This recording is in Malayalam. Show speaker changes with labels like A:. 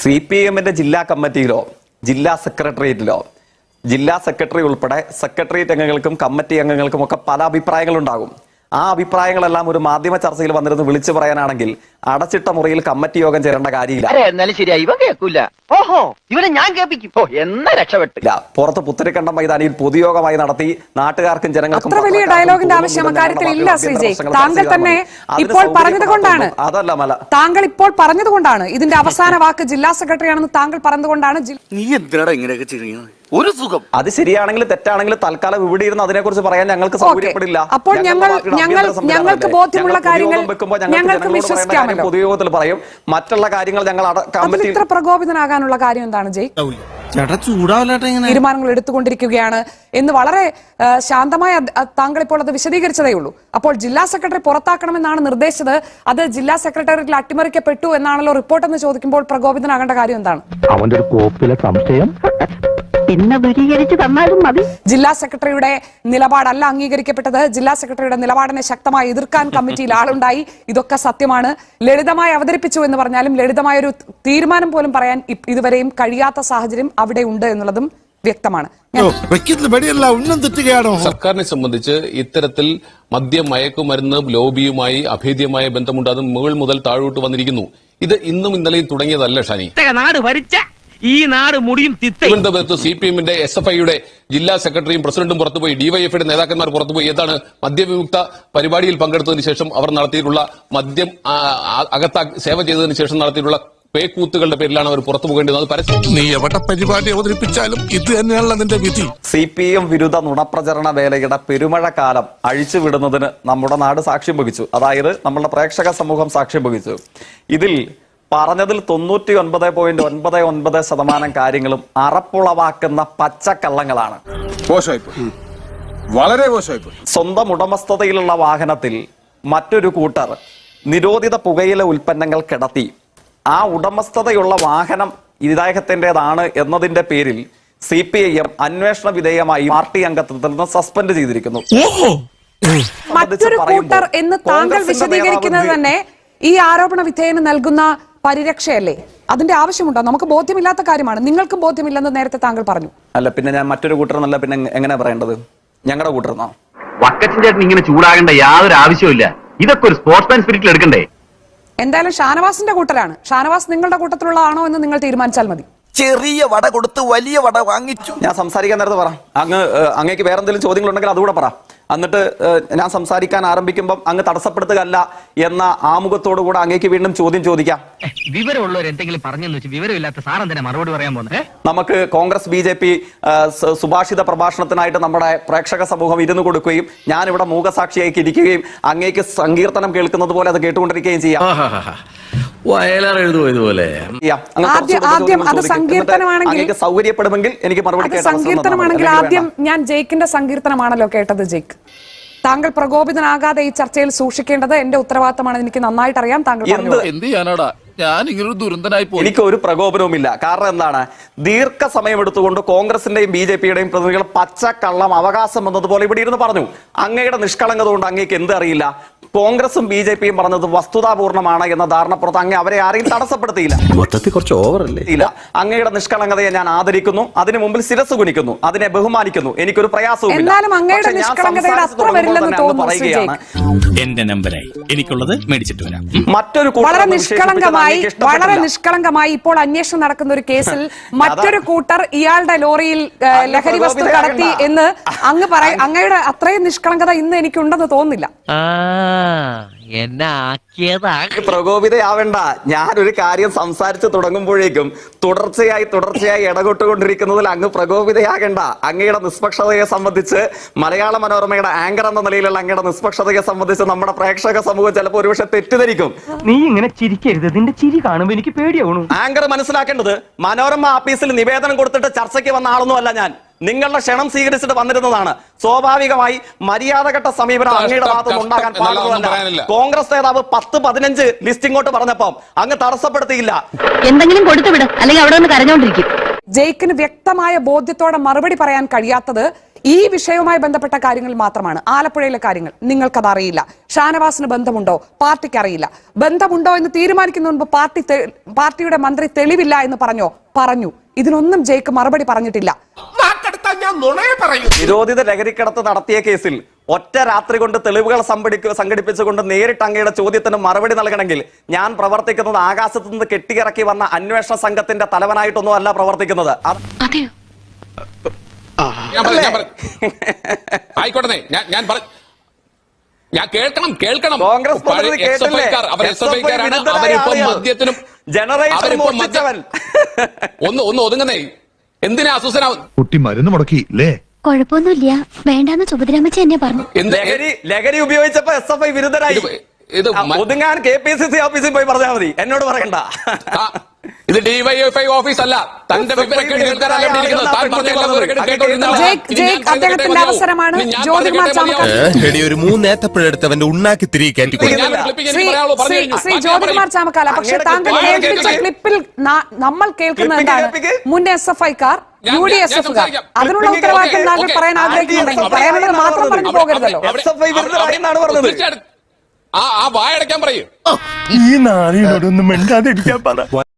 A: CPM ജില്ലാ കമ്മിറ്റിയിലോ ജില്ലാ സെക്രട്ടേറിയറ്റിലോ ജില്ലാ സെക്രട്ടറി ഉൾപ്പെടെ സെക്രട്ടേറിയറ്റ് അംഗങ്ങൾക്കും കമ്മിറ്റി അംഗങ്ങൾക്കും ഒക്കെ പല അഭിപ്രായങ്ങളുണ്ടാകും. ആ അഭിപ്രായങ്ങളെല്ലാം ഒരു മാധ്യമ ചർച്ചയിൽ വന്നിരുന്ന് വിളിച്ചു പറയാനാണെങ്കിൽ അടച്ചിട്ട മുറിയിൽ കമ്മിറ്റി യോഗം ചേരേണ്ട കാര്യമില്ല. പുറത്ത് പുത്തരിക്കണ്ടം മൈതാനിയിൽ പൊതുയോഗമായി നടത്തി നാട്ടുകാർക്കും ജനങ്ങൾക്കും
B: താങ്കൾ ഇപ്പോൾ പറഞ്ഞതുകൊണ്ടാണ് ഇതിന്റെ അവസാന വാക്ക് ജില്ലാ സെക്രട്ടറി ആണെന്ന് താങ്കൾ പറഞ്ഞതുകൊണ്ടാണ്
A: ഒരു സുഖം. അത് ശരിയാണെങ്കിൽ തെറ്റാണെങ്കിൽ തൽക്കാലം ഇവിടെ ഇരുന്ന് അതിനെ കുറിച്ച് പറയാൻ ഞങ്ങൾക്ക് സൗകര്യപ്പെടില്ല.
B: അപ്പോൾ ഞങ്ങൾക്ക് ബോധ്യമുള്ള കാര്യങ്ങൾ ഞങ്ങൾക്ക് വിശ്വസിക്കാമല്ലോ.
A: പൊതുയോഗത്തിൽ പറയും. മറ്റുള്ള കാര്യങ്ങൾ ഞങ്ങൾ
B: ഇത്ര പ്രകോപിതനാകാനുള്ള കാര്യം എന്താണ് ജയ്? തീരുമാനങ്ങൾ എടുത്തുകൊണ്ടിരിക്കുകയാണ് എന്ന് വളരെ ശാന്തമായ താങ്കൾ ഇപ്പോൾ അത് വിശദീകരിച്ചതേ ഉള്ളൂ. അപ്പോൾ ജില്ലാ സെക്രട്ടറി പുറത്താക്കണമെന്നാണ് നിർദ്ദേശിച്ചത്. അത് ജില്ലാ സെക്രട്ടേറിയറ്റിൽ അട്ടിമറിക്കപ്പെട്ടു എന്നാണല്ലോ റിപ്പോർട്ട് എന്ന് ചോദിക്കുമ്പോൾ പ്രകോപിതനാകേണ്ട കാര്യം എന്താണ്?
C: അവന്റെ ഒരു കോപ്പിലെ സംശയം പിന്നെ ദൂരീകരിച്ച് തന്നാലും മതി.
B: ജില്ലാ സെക്രട്ടറിയുടെ നിലപാടല്ല അംഗീകരിക്കപ്പെട്ടത്. ജില്ലാ സെക്രട്ടറിയുടെ നിലപാടിനെ ശക്തമായി എതിർക്കാൻ കമ്മിറ്റിയിൽ ആളുണ്ടായി. ഇതൊക്കെ സത്യമാണ്. ലളിതമായി അവതരിപ്പിച്ചു എന്ന് പറഞ്ഞാലും ലളിതമായ ഒരു തീരുമാനം പോലും പറയാൻ ഇതുവരെയും കഴിയാത്ത സാഹചര്യം അവിടെ ഉണ്ട് എന്നുള്ളതും വ്യക്തമാണ്.
D: സർക്കാരിനെ സംബന്ധിച്ച് ഇത്തരത്തിൽ മദ്യം മയക്കുമരുന്ന് ലോബിയുമായി അഭേദ്യമായ ബന്ധമുണ്ട്. അത് മുകൾ മുതൽ താഴോട്ട് വന്നിരിക്കുന്നു. ഇത് ഇന്നും ഇന്നലെയും തുടങ്ങിയതല്ല ഷാനി.
E: നാട് ഭരിച്ച ഈ നാട് മുടിയും
D: തിരുവനന്തപുരത്ത് CPM SFIയുടെ ജില്ലാ സെക്രട്ടറിയും പ്രസിഡന്റും പുറത്തുപോയി, DYFയുടെ നേതാക്കന്മാർ പുറത്തുപോയി. ഏതാണ് മദ്യവിമുക്ത പരിപാടിയിൽ പങ്കെടുത്തതിന് ശേഷം അവർ നടത്തിയിട്ടുള്ള മദ്യം സേവ ചെയ്തതിനു ശേഷം നടത്തിയിട്ടുള്ള പേക്കൂത്തുകളുടെ പേരിലാണ് അവർ പുറത്തു പോകേണ്ടത്.
F: നീ എവിടെ പരിപാടി അവതരിപ്പിച്ചാലും ഇത് തന്നെയാണല്ലോ അതിന്റെ വിധി.
A: CPM വിരുദ്ധ നുണപ്രചരണ വേലയുടെ പെരുമഴക്കാലം അഴിച്ചുവിടുന്നതിന് നമ്മുടെ നാട് സാക്ഷ്യം വഹിച്ചു. അതായത് നമ്മുടെ പ്രേക്ഷക സമൂഹം സാക്ഷ്യം വഹിച്ചു. ഇതിൽ പറഞ്ഞതിൽ 99.99% കാര്യങ്ങളും അറപ്പുളവാക്കുന്ന പച്ചക്കള്ളങ്ങളാണ്.
F: വളരെ മോശമായിപ്പോയി.
A: സ്വന്തം ഉടമസ്ഥതയിലുള്ള വാഹനത്തിൽ മറ്റൊരു കൂട്ടർ നിരോധിത പുകയില ഉൽപ്പന്നങ്ങൾ കിടത്തി ആ ഉടമസ്ഥതയുള്ള വാഹനം ഇദ്ദേഹത്തിൻ്റെതാണ് എന്നതിന്റെ പേരിൽ CPIM അന്വേഷണ വിധേയമായി പാർട്ടി അംഗത്വത്തിൽ നിന്ന് സസ്പെൻഡ് ചെയ്തിരിക്കുന്നു.
B: മറ്റൊരു കൂട്ടർ എന്ന് താങ്കൾ വിശദീകരിക്കുന്നത് തന്നെ ഈ ആരോപണ വിധേയന് നൽകുന്ന പരിരക്ഷയല്ലേ? അതിന്റെ ആവശ്യമുണ്ടോ? നമുക്ക് ബോധ്യമില്ലാത്ത കാര്യമാണ്. നിങ്ങൾക്കും ബോധ്യമില്ലെന്ന് നേരത്തെ താങ്കൾ പറഞ്ഞു.
A: അല്ല, പിന്നെ ഞാൻ മറ്റൊരു കൂട്ടർന്നല്ല പിന്നെ എങ്ങനെ പറയേണ്ടത്? ഞങ്ങളുടെ കൂട്ടർന്നോ?
G: വക്കച്ചൻ ചേട്ടൻ ഇങ്ങനെ ചൂടാകേണ്ട യാതൊരു ആവശ്യമില്ല. ഇതൊക്കെ ഒരു സ്പോർട്സ്മാൻ സ്പിരിറ്റിൽ എടുക്കണ്ടേ?
B: എന്തായാലും ഷാനവാസിന്റെ കൂട്ടരാണ്. ഷാനവാസ് നിങ്ങളുടെ കൂട്ടത്തിലുള്ളതാണോ എന്ന് നിങ്ങൾ തീരുമാനിച്ചാൽ മതി.
H: ചെറിയ വട കൊടുത്ത് വലിയ വട വാങ്ങിച്ചു.
A: ഞാൻ സംസാരിക്കാൻ നേരത്തെ പറ. അങ്ങേക്ക് വേറെ എന്തെങ്കിലും ചോദ്യങ്ങളുണ്ടെങ്കിൽ അതുകൂടെ പറ. എന്നിട്ട് ഞാൻ സംസാരിക്കാൻ ആരംഭിക്കുമ്പോൾ അങ്ങ് തടസ്സപ്പെടുത്തുകയല്ല എന്ന ആമുഖത്തോടു കൂടെ അങ്ങേക്ക് വീണ്ടും ചോദ്യം ചോദിക്കാം.
E: വിവരമുള്ളവർ എന്തെങ്കിലും പറഞ്ഞെന്ന് വെച്ച് വിവരമില്ലാത്ത സാറെന്തിനാ മറുപടി പറയാൻ പോകുന്നത്?
A: നമുക്ക് കോൺഗ്രസ് BJP സുഭാഷിത പ്രഭാഷണത്തിനായിട്ട് നമ്മുടെ പ്രേക്ഷക സമൂഹം ഇരുന്ന് കൊടുക്കുകയും ഞാനിവിടെ മൂകസാക്ഷിയായി ഇരിക്കുകയും അങ്ങേക്ക് സങ്കീർത്തനം കേൾക്കുന്നത് പോലെ അത് കേട്ടുകൊണ്ടിരിക്കുകയും ചെയ്യാം. സൗകര്യപ്പെടുമെങ്കിൽ എനിക്ക് മറുപടി.
B: സങ്കീർത്തനമാണെങ്കിൽ ആദ്യം ഞാൻ ജയിക്കിന്റെ സങ്കീർത്തനമാണല്ലോ കേട്ടത്. ജയിക്ക്, താങ്കൾ പ്രകോപിതനാകാതെ ഈ ചർച്ചയിൽ സൂക്ഷിക്കേണ്ടത് എന്റെ ഉത്തരവാദിത്തമാണ്. എനിക്ക് നന്നായിട്ട് അറിയാം. താങ്കൾ
F: എന്ത് ചെയ്യാനാടാ? ഞാൻ ഇങ്ങനൊരു ദുരന്തനായി പോയി.
A: എനിക്ക് ഒരു പ്രകോപനവുമില്ല. കാരണം എന്താണ്? ദീർഘസമയം എടുത്തുകൊണ്ട് കോൺഗ്രസിന്റെയും BJPയുടെയും പ്രതിനിധികൾ പച്ചക്കള്ളം അവകാശം എന്നതുപോലെ ഇവിടെ ഇരുന്ന് പറഞ്ഞു. അങ്ങയുടെ നിഷ്കളങ്കത കൊണ്ട് അങ്ങേക്ക് എന്ത് അറിയില്ല? കോൺഗ്രസും BJPയും പറഞ്ഞത് വസ്തുതാപൂർണ്ണമാണ് എന്ന ധാരണപ്പുറത്ത് അങ്ങ് അവരെ ആരെയും തടസ്സപ്പെടുത്തിയില്ല.
H: മൊത്തത്തിൽ കുറച്ച് ഓവറല്ലേ?
A: ഇല്ല, അങ്ങയുടെ നിഷ്കളങ്കതയെ ഞാൻ ആദരിക്കുന്നു. അതിന് മുമ്പിൽ ശിരസ് കുനിക്കുന്നു. അതിനെ ബഹുമാനിക്കുന്നു. എനിക്കൊരു പ്രയാസവും
E: എന്റെ നമ്പറായി എനിക്കുള്ളത് മേടിച്ചിട്ട് വരാം.
A: മറ്റൊരു
B: വളരെ നിഷ്കളങ്കമായി ഇപ്പോൾ അന്വേഷണം നടക്കുന്ന ഒരു കേസിൽ മറ്റൊരു കൂട്ടർ ഇയാളുടെ ലോറിയിൽ ലഹരി വസ്തു കടത്തി എന്ന് അങ്ങ് പറയും. അങ്ങയുടെ അത്രയും നിഷ്കളങ്കത ഇന്ന് എനിക്കുണ്ടെന്ന് തോന്നുന്നില്ല.
A: പ്രകോപിതയാവേണ്ട. ഞാനൊരു കാര്യം സംസാരിച്ച് തുടങ്ങുമ്പോഴേക്കും തുടർച്ചയായി ഇടപെട്ടുകൊണ്ടിരിക്കുന്നതിൽ അങ്ങ് പ്രകോപിതയാകേണ്ട. അങ്ങയുടെ നിഷ്പക്ഷതയെ സംബന്ധിച്ച് മലയാള മനോരമയുടെ ആങ്കർ എന്ന നിലയിലുള്ള അങ്ങയുടെ നിഷ്പക്ഷതയെ സംബന്ധിച്ച് നമ്മുടെ പ്രേക്ഷക സമൂഹം ചിലപ്പോൾ ഒരുപക്ഷെ തെറ്റിദ്ധരിക്കും.
E: നീ ഇങ്ങനെ ചിരിക്കരുത്. നിന്റെ ചിരി കാണുമ്പോൾ എനിക്ക് പേടിയാവണു.
A: ആങ്കർ മനസ്സിലാക്കേണ്ടത് മനോരമ ആഫീസിൽ നിവേദനം കൊടുത്തിട്ട് ചർച്ചയ്ക്ക് വന്ന ആളൊന്നും അല്ല ഞാൻ. നിങ്ങളുടെ ക്ഷണം സ്വീകരിച്ചിട്ട് വന്നിരുന്നതാണ്. സ്വാഭാവികമായി മര്യാദഘട്ട സമീപനം അങ്ങയുടെ ഭാഗത്തുനിന്ന് ഉണ്ടാകാൻ പാടുള്ളതല്ല. കോൺഗ്രസ് നേതാവ് 10-15 ലിസ്റ്റ് ഇങ്ങോട്ട് പറഞ്ഞപ്പം അങ്ങ് തടസ്സപ്പെടുത്തിയില്ല.
I: എന്തെങ്കിലും കൊടുത്തുവിട്, അല്ലെങ്കിൽ അവിടെ നിന്ന് കരഞ്ഞോണ്ടിരിക്കും.
B: ജയിക്കിന് വ്യക്തമായ ബോധ്യത്തോടെ മറുപടി പറയാൻ കഴിയാത്തത് ഈ വിഷയവുമായി ബന്ധപ്പെട്ട കാര്യങ്ങൾ മാത്രമാണ്. ആലപ്പുഴയിലെ കാര്യങ്ങൾ നിങ്ങൾക്കത് അറിയില്ല. ഷാനവാസിന് ബന്ധമുണ്ടോ? പാർട്ടിക്ക് അറിയില്ല. ബന്ധമുണ്ടോ എന്ന് തീരുമാനിക്കുന്ന മുൻപ് പാർട്ടിയുടെ മന്ത്രി തെളിവില്ല എന്ന് പറഞ്ഞു. ഇതിനൊന്നും ജയ്ക്ക് മറുപടി പറഞ്ഞിട്ടില്ല.
A: നിരോധിത ലഹരിക്കടത്ത് നടത്തിയ കേസിൽ ഒറ്റ രാത്രി കൊണ്ട് തെളിവുകൾ സംഘടിപ്പിച്ചുകൊണ്ട് നേരിട്ട് അങ്ങയുടെ ചോദ്യത്തിന് മറുപടി നൽകണമെങ്കിൽ ഞാൻ പ്രവർത്തിക്കുന്നത് ആകാശത്ത് നിന്ന് കെട്ടിയിറക്കി വന്ന അന്വേഷണ സംഘത്തിന്റെ തലവനായിട്ടൊന്നും അല്ല പ്രവർത്തിക്കുന്നത്.
D: ആയിക്കോട്ടെ, ഞാൻ കേൾക്കണം.
A: കോൺഗ്രസ്
D: ഒന്ന് ഒതുങ്ങുന്നേ. എന്തിനാ അസ്വസ്ഥനാവും?
I: കുട്ടി മരുന്ന് മുടക്കി അല്ലേ?
J: കുഴപ്പമൊന്നുമില്ല, വേണ്ടാന്ന് സുഭദ്രാമച്ചി എന്നെ പറഞ്ഞു.
A: ലഹരി ഉപയോഗിച്ചപ്പോ SFI വിരുദ്ധരായി. ഒതുങ്ങാൻ KPCC ഓഫീസിൽ പോയി പറഞ്ഞാൽ മതി, എന്നോട് പറയണ്ട.
D: ഇത് DYFI ഓഫീസ് അല്ല. തന്റെ
B: അദ്ദേഹത്തിന്റെ അവസരമാണ്. ജ്യോതികുമാർ ചാമക്കാല,
H: ഒരു മൂന്നേത്തപ്പഴെടുത്തവന്റെ ഉണ്ണാക്കി തിരികെ കയറ്റി
B: ശ്രീ ജ്യോതികുമാർ ചാമക്കാല, പക്ഷെ താങ്കൾ കേൾപ്പിച്ച ക്ലിപ്പിൽ നമ്മൾ കേൾക്കുന്നത് എന്താണ്? മുൻ SFIക്കാർ, UDSFകാർ, അതിനുള്ള ഉത്തരവാദിത്തം താങ്കൾ പറയാൻ ആഗ്രഹിക്കുന്നുണ്ടെങ്കിൽ പറയാനുള്ളത് മാത്രം പറഞ്ഞു പോകരുതല്ലോ.
A: SFI വിരുദ്ധരായി എന്നാണ് പറഞ്ഞത്.
D: ആ വായടയ്ക്കാൻ പറയൂ.
H: ഈ നാളിനോടൊന്നും മിണ്ടാതിരിക്കാൻ പറ.